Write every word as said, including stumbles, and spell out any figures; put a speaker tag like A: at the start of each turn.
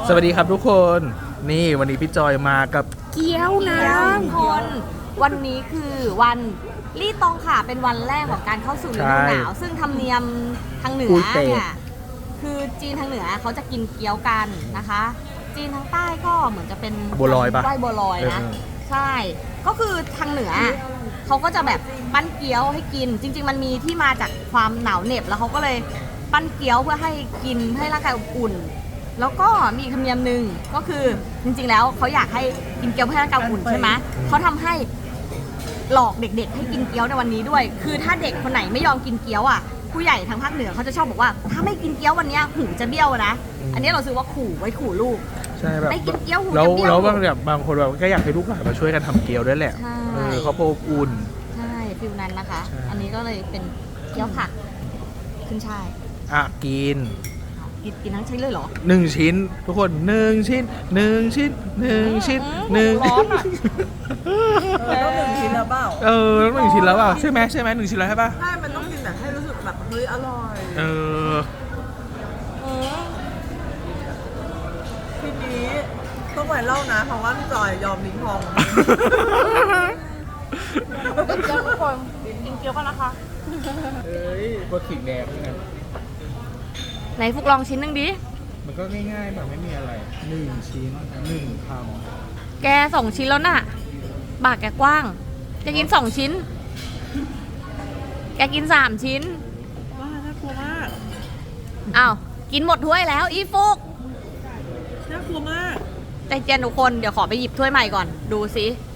A: สวัสดีครับทุกคนนี่วันนี้พี่จอยมากับเกี๊ยวนะ
B: ทุกคนวันนี้คือวันลี่ตองค่ะเป็นวันแรกของการเข้าสู่ฤดูหนาวซึ่งธรรมเนียมทางเหนือเนี่ยคือจีนทางเหนือเขาจะกินเกี๊ยวกันนะคะ จีนทางใต้ก็เหมือนจะเป็น
A: บัวลอยปะ
B: ไหว้บัวลอยนะใช่ก็คือทางเหนือเขาก็จะแบบปั้นเกี๊ยวให้กินจริงๆมันมีที่มาจากความหนาวเหน็บแล้วเขาก็เลยปั้นเกี๊ยวเพื่อให้กินให้ร่างกายอบอุ่นแล้วก็มีอีกธรรมเนียมหนึ่งก็คือจริงๆแล้วเขาอยากให้กินเกี๊ยวเพื่อให้ร่างกายอบอุ่นใช่ไหมเขาทำให้หลอกเด็กๆให้กินเกี๊ยวในวันนี้ด้วย คือถ้าเด็กคนไหนไม่ยอมกินเกี๊ยวอ่ะผู้ใหญ่ทางภาคเหนือเขาจะชอบบอกว่าถ้าไม่กินเกี๊ยววันนี้หูจะเบี้ยวนะอันนี้เราซื้อว่าขู่ไว้ขู่ลูก
A: ใช่แบบ
B: ไม่กินเกี๊ยวหู
A: แล้ว
B: จะเบี้ยว
A: แล้วบางแบบบางคนแบบก็อยากให้ลูกหลานมาช่วยกันทำเกี๊ยวด้วยแหละเออเขาโปรอุ่น
B: ใช่ฟิลนั้นนะคะอันนี้ก็เลยเป็นเกี๊ยวผักขึ้นช่าย
A: อ่ะกิน
B: กินกินทั้งชิ้นเลยเหรอ
A: หนึ่งชิ้นทุกคนหนึ่งชิ้นหนึ่งชิ้นหนึ่งชิ้นหนึ่ง
B: ร้อนอ่ะ
C: ต้องหนึ่งชิ้นแล้วเปล่า
A: เออต้องหนึ่งชิ้นแล้วเปล่าใช่ไหมใช่ไหมหนึ่งชิ้นแล้วใช่ป่ะ
C: ใช่มันต้องกินแบบให้รู้สึกแบบเฮ้ยอร่อย
A: เออ
C: ทีนี้ต้องไปเล่านะเพราะว่าพี่จอยยอมลิ้นพอง
B: กินเกี๊ยวทุกคนกินเกี๊ยวกันนะคะ
A: เอ้ยก็ขิงแดงไง
B: ไหนฟุกลองชิ้นหนึ่งดิ
A: มันก็ง่ายๆแบบไม่มีอะไรหนึ่งชิ้นหนึ่งค
B: ำแกสองชิ้นแล้วน่ะปากแกกว้างจะกินสองชิ้นแกกินสามชิ้น
C: ว้าน่ากลัวมาก
B: อ้าวกินหมดถ้วยแล้วอีฟุก
C: น่ากลัวมาก
B: ใจเย็นทุกคนเดี๋ยวขอไปหยิบถ้วยใหม่ก่อนดูสิ